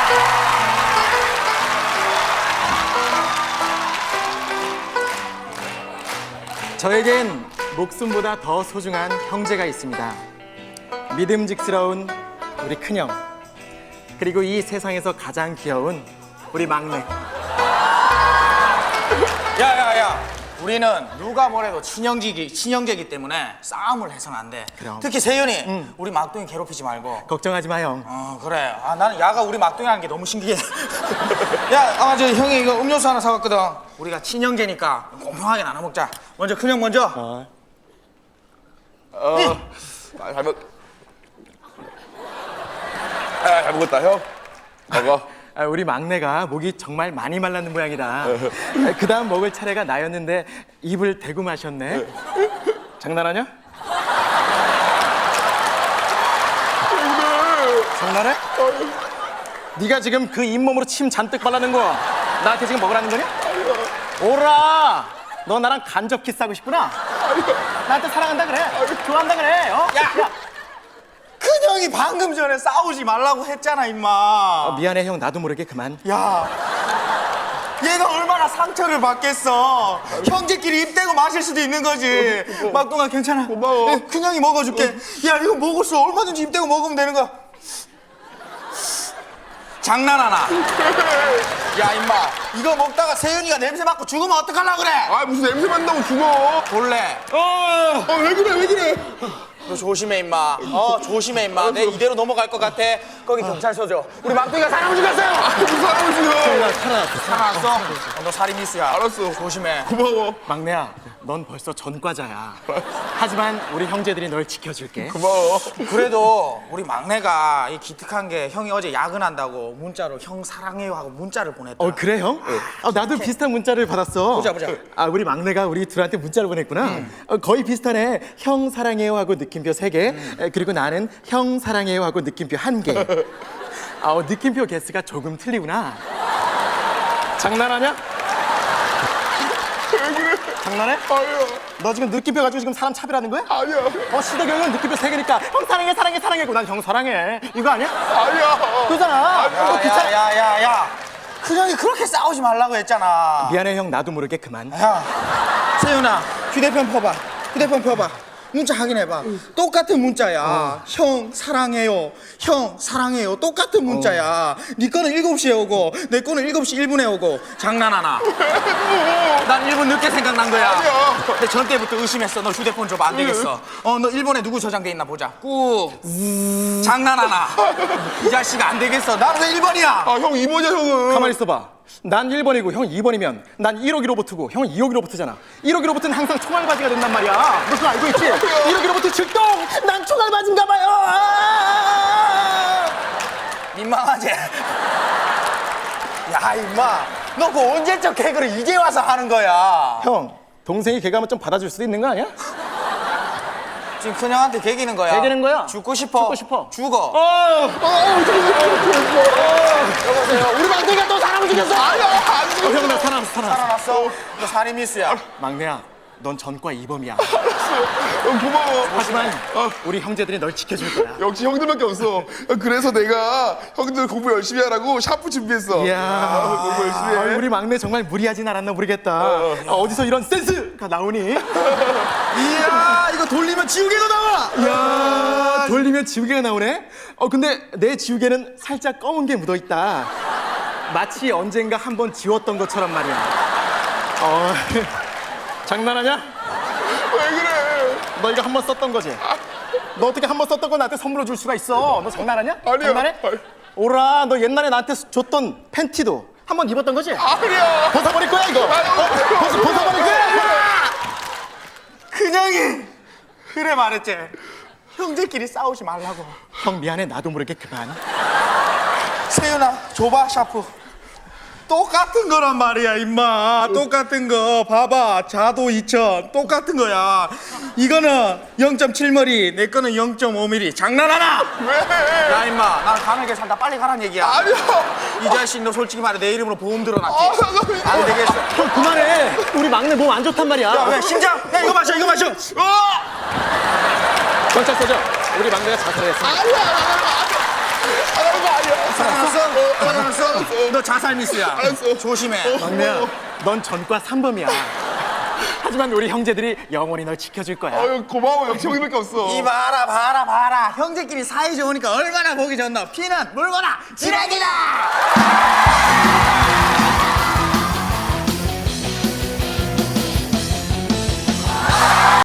저에겐 목숨보다 더 소중한 형제가 있습니다. 믿음직스러운 우리 큰형, 그리고 이 세상에서 가장 귀여운 우리 막내. 야야야, 우리는 누가 뭐래도 친형제이기 때문에 싸움을 해서는 안 돼. 그럼. 특히 세윤이 우리 막둥이 괴롭히지 말고. 걱정하지 마, 형. 그래. 나는 야가 우리 막둥이라는 게 너무 신기해. 야, 저 형이 이거 음료수 하나 사왔거든. 우리가 친형제니까 공평하게 나눠 먹자. 먼저 큰형 먼저. 잘 먹었다, 형. 먹어. 우리 막내가 목이 정말 많이 말랐는 모양이다. 그 다음 먹을 차례가 나였는데 입을 대고 마셨네. 장난하냐? 장난해? 네가 지금 그 잇몸으로 침 잔뜩 발라는 거 나한테 지금 먹으라는 거냐? 오라! 너 나랑 간접 키스하고 싶구나? 나한테 사랑한다 그래? 좋아한다 그래? 어? 야! 큰형이 방금 전에 싸우지 말라고 했잖아, 임마. 미안해, 형. 나도 모르게 그만. 야, 얘가 얼마나 상처를 받겠어. 형제끼리 입 대고 마실 수도 있는 거지. 막둥아 괜찮아. 고마워. 큰형이 먹어줄게. 야, 이거 먹을 수 얼마든지 입 대고 먹으면 되는 거야. 장난하나? 야, 임마, 이거 먹다가 세윤이가 냄새 맡고 죽으면 어떡하려고 그래? 아, 무슨 냄새 맡는다고 죽어. 볼래? 왜 그래, 왜 그래. 너 조심해, 임마. 조심해, 임마. 내 이대로 넘어갈 것 같아. 거기 경찰서 줘. 우리 막둥이가 사람 죽였어요. 무슨 사람을 죽여. 살아났어? 너 살인미수야. 알았어. 조심해. 고마워. 막내야, 넌 벌써 전과자야. 하지만 우리 형제들이 널 지켜줄게. 고마워. 그래도 우리 막내가 이 기특한 게 형이 어제 야근한다고 문자로 형 사랑해요 하고 문자를 보냈다. 그래, 형? 나도 비슷한 문자를 받았어. 보자. 우리 막내가 우리 둘한테 문자를 보냈구나. 거의 비슷하네. 형 사랑해요 하고 느낌표 3개. 그리고 나는 형 사랑해요 하고 느낌표 1개. 느낌표 개수가 조금 틀리구나. 장난하냐? 왜 그래. 장난해? 아니야. 너 지금 느낌표 가지고 지금 사람 차별하는 거야? 아니야. 시대경은 느낌표 3개니까 형 사랑해고 난 형 사랑해. 이거 아니야? 아니야. 그거잖아. 야야야야야, 큰형이 그렇게 싸우지 말라고 했잖아. 미안해, 형. 나도 모르게 그만. 야, 세윤아, 휴대폰 펴봐. 문자 확인해봐. 똑같은 문자야. 형 사랑해요. 똑같은 문자야. 네 거는 7시에 오고 내 거는 7시 1분에 오고. 장난하나? 난 1분 늦게 생각난 거야. 아니야. 근데 전 때부터 의심했어. 너 휴대폰 줘봐. 안 되겠어. 너 일본에 누구 저장돼 있나 보자. 꾹. 장난하나? 이 자식 안 되겠어. 난 왜 1번이야? 형 2번이야, 형은. 가만히 있어봐. 난 1번이고 형 2번이면 난 1호 기로보트고 형 2호 기로보트잖아. 1호 기로보트는 항상 총알바지가 된단 말이야. 너 그거 알고 있지? 1호 기로보트 출동! 난 총알바지인가 봐요. 민망하지? 야, 임마. 너 그 언제적 개그를 이제 와서 하는 거야? 형, 동생이 개그하면 좀 받아줄 수도 있는 거 아니야? 지금 큰형한테 개기는 거야. 개기는 거야? 죽고 싶어. 죽고 싶어. 죽어. 여보세요. 우리 막내가 또 사람을 죽였어. 아니야, 안 죽어. 형, 나 살아났어. 살아났어? 너 살인미수야. 막내야, 넌 전과 2범이야. 형 고마워. 하지만 우리 형제들이 널 지켜줄 거야. 역시 형들밖에 없어. 그래서 내가 형들 공부 열심히 하라고 샤프 준비했어. 이야, 공부 열심히 해. 우리 막내 정말 무리하진 않았나 모르겠다. 어디서 이런 센스가 나오니? 이야, 이거 돌리면 지우개도 나와. 이야, 돌리면 지우개가 나오네? 근데 내 지우개는 살짝 검은 게 묻어있다. 마치 언젠가 한번 지웠던 것처럼 말이야. 장난하냐? 왜 그래. 너 이거 한번 썼던 거지? 너 어떻게 한번 썼던 거 나한테 선물로 줄 수가 있어? 너 장난하냐? 아니야. 장난해? 오라, 너 옛날에 나한테 줬던 팬티도 한번 입었던 거지? 아니야. 벗어버릴 거야 이거? 벗어버릴 거야? 큰형이 그래 말했지. 형제끼리 싸우지 말라고. 형 미안해, 나도 모르게 그만. 세윤아, 줘봐 샤프. 똑같은 거란 말이야, 임마. 똑같은 거. 봐봐. 자도 2000. 똑같은 거야. 이거는 0.7mm, 내 거는 0.5mm. 장난하나? 왜? 야, 임마. 난 가늘게 산다. 빨리 가란 얘기야. 아니야. 이 자식 너 솔직히 말해 내 이름으로 보험 들어놨지? 상관없어. 안 되겠어. 형 그만해. 우리 막내 몸 안 좋단 말이야. 야, 왜 심장? 야, 이거 마셔. 경찰서죠. 우리 막내가 자살했어. 아니야. 잘하는 거 아니야. 살아났어? 알았어. 너 자살 미스야. 알았어. 조심해. 막내야, 넌 전과 3범이야. 하지만 우리 형제들이 영원히 널 지켜줄 거야. 아유 고마워. 역시 형님밖에 없어. 이 봐라. 형제끼리 사이 좋으니까 얼마나 보기 좋노. 피는 물거나 지레기다.